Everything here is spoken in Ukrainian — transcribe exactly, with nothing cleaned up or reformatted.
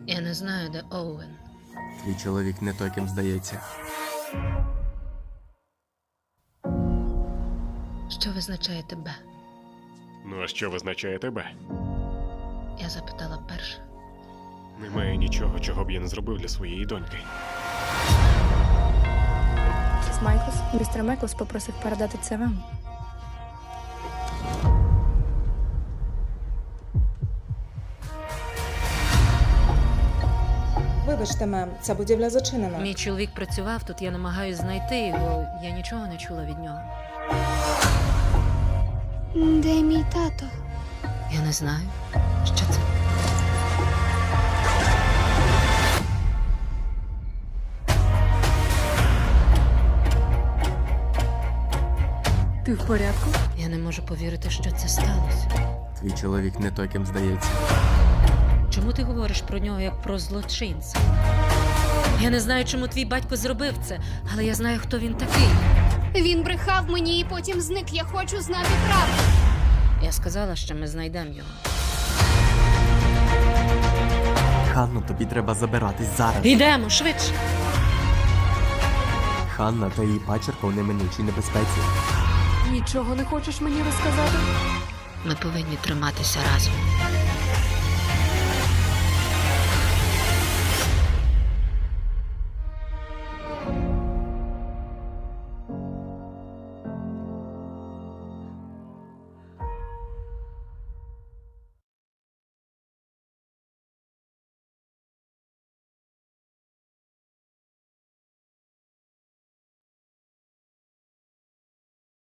Я не знаю, де Оуен. Твій чоловік не той, ким здається. Що визначає тебе? Ну а що визначає тебе? Я запитала перше. Немає нічого, чого б я не зробив для своєї доньки. Місіс Майклс, містер Майклс попросив передати це вам. Вибачте, мем, ця будівля зачинена. Мій чоловік працював тут, я намагаюсь знайти його. Я нічого не чула від нього. Де мій тато? Я не знаю. Що це? Ти в порядку? Я не можу повірити, що це сталося. Твій чоловік не той, ким здається. Чому ти говориш про нього як про злочинця? Я не знаю, чому твій батько зробив це, але я знаю, хто він такий. Він брехав мені і потім зник. Я хочу знати правду. Я сказала, що ми знайдемо його. Ханно, тобі треба забиратись зараз. Йдемо, швидше! Ханна та її пачерка у неминучій небезпеці. Нічого не хочеш мені розказати? Ми повинні триматися разом.